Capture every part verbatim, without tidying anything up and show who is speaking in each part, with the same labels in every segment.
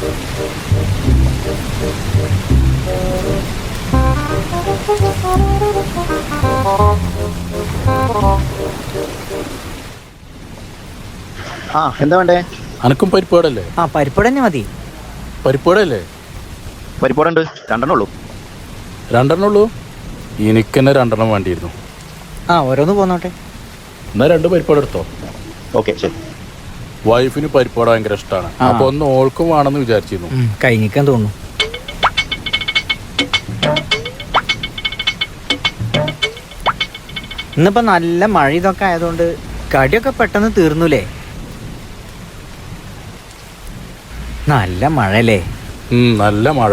Speaker 1: ആ എന്താ വേണ്ടേ?
Speaker 2: അനക്കും പരിപ്പാടല്ലേ?
Speaker 3: ആ പരിപ്പാട് തന്നെ മതി.
Speaker 2: പരിപ്പാടല്ലേ?
Speaker 1: പരിപ്പാടുണ്ട്, രണ്ടെണ്ണം ഉള്ളൂ.
Speaker 2: രണ്ടെണ്ണം ഉള്ളൂ? എനിക്ക് തന്നെ രണ്ടെണ്ണം വേണ്ടിയിരുന്നു.
Speaker 3: ആ ഓരോന്ന് പോന്നോട്ടെ.
Speaker 2: എന്നാ രണ്ട് പരിപ്പാട് എടുത്തോ.
Speaker 1: ഓക്കെ ശരി.
Speaker 2: വൈഫിന് പരിപ്പാട് ഭയങ്കര ഇഷ്ടമാണ്. അപ്പൊ ഒന്ന് ഓൾക്കും വേണമെന്ന് വിചാരിച്ചിരുന്നു.
Speaker 3: കഴിഞ്ഞിക്കാൻ തോന്നുന്നു. ഇന്നിപ്പോ നല്ല മഴ ഇതൊക്കെ ആയതുകൊണ്ട് കടിയൊക്കെ പെട്ടെന്ന് തീർന്നുല്ലേ? നല്ല മഴല്ലേ?
Speaker 2: നല്ല മഴ.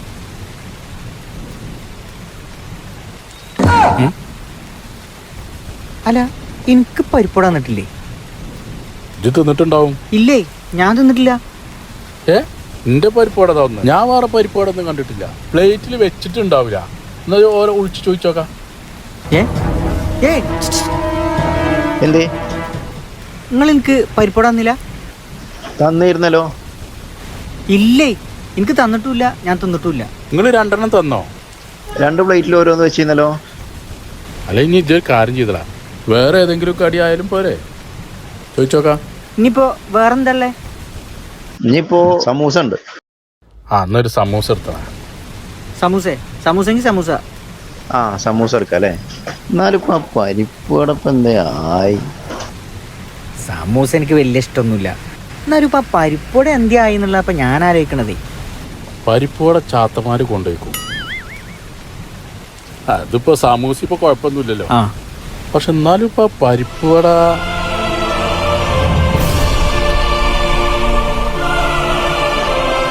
Speaker 3: അല്ല എനിക്ക് പരിപ്പാട് തന്നിട്ടില്ലേ?
Speaker 2: ഇത് തിന്നിട്ടുണ്ടാവും.
Speaker 3: ഇല്ലേ, ഞാൻ തിന്നിട്ടില്ല.
Speaker 2: ഏ എന്റെ പരിപ്പാടാ തോന്നുന്നു. ഞാൻ വേറെ പരിപ്പാടൊന്നും കണ്ടിട്ടില്ല. പ്ലേറ്റിൽ വെച്ചിട്ടുണ്ടാവില്ല. എന്നാ ഓരോ ഒളിച്ചു ചോദിച്ചോക്കാം.
Speaker 3: ഏ ഏ
Speaker 1: എന്തേ?
Speaker 3: നിങ്ങൾ എനിക്ക് പരിപ്പാട് തന്നില്ല?
Speaker 1: തന്നിരുന്നല്ലോ.
Speaker 3: ഇല്ലേ, എനിക്ക് തന്നിട്ടുമില്ല, ഞാൻ തിന്നിട്ടുമില്ല.
Speaker 2: നിങ്ങൾ രണ്ടെണ്ണം തന്നോ?
Speaker 1: രണ്ട് പ്ലേറ്റിൽ ഓരോന്ന് വെച്ചിരുന്നല്ലോ.
Speaker 2: അല്ല ഇനി ഇതൊരു കാര്യം ചെയ്തടാ, വേറെ ഏതെങ്കിലും കടി ആയാലും പോരെ, ചോദിച്ചോക്കാം.
Speaker 3: ഇനിയിപ്പോ വേറെന്തല്ലേ?
Speaker 1: ഇനിയിപ്പോ സമൂസ ഉണ്ട്.
Speaker 2: ആ എന്നൊരു സമൂസ എടുത്തടാ.
Speaker 3: സമൂസേ? സമൂസെങ്കിൽ സമൂസ.
Speaker 1: ആ സമൂസ എടുക്കാം അല്ലേ? എന്നാലും ഇപ്പൊ പരിപ്പടപ്പം എന്താ ആയി?
Speaker 3: സമൂസ എനിക്ക് വലിയ ഇഷ്ടമൊന്നുമില്ല. എന്നാലും ഇപ്പൊ പരിപ്പോടെ എന്തിയായി എന്നുള്ള ഇപ്പൊ ഞാൻ ആലോചിക്കണതേ.
Speaker 2: പരിപ്പോടെ ചാത്തമാര് കൊണ്ടുപോയിക്കും. അതിപ്പോ സമൂസ ഇപ്പൊ കുഴപ്പമൊന്നുമില്ലല്ലോ.
Speaker 3: ആ
Speaker 2: പക്ഷെ എന്നാലും ഇപ്പൊ പരിപ്പുവട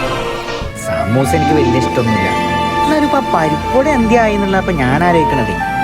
Speaker 3: സമൂസ എനിക്ക് വലിയ ഇഷ്ടമൊന്നുമില്ല. എന്നാലും ഇപ്പൊ പരിപ്പോടെ എന്തിയായി എന്നുള്ള ഇപ്പൊ ഞാൻ ആലോചിക്കണതേ.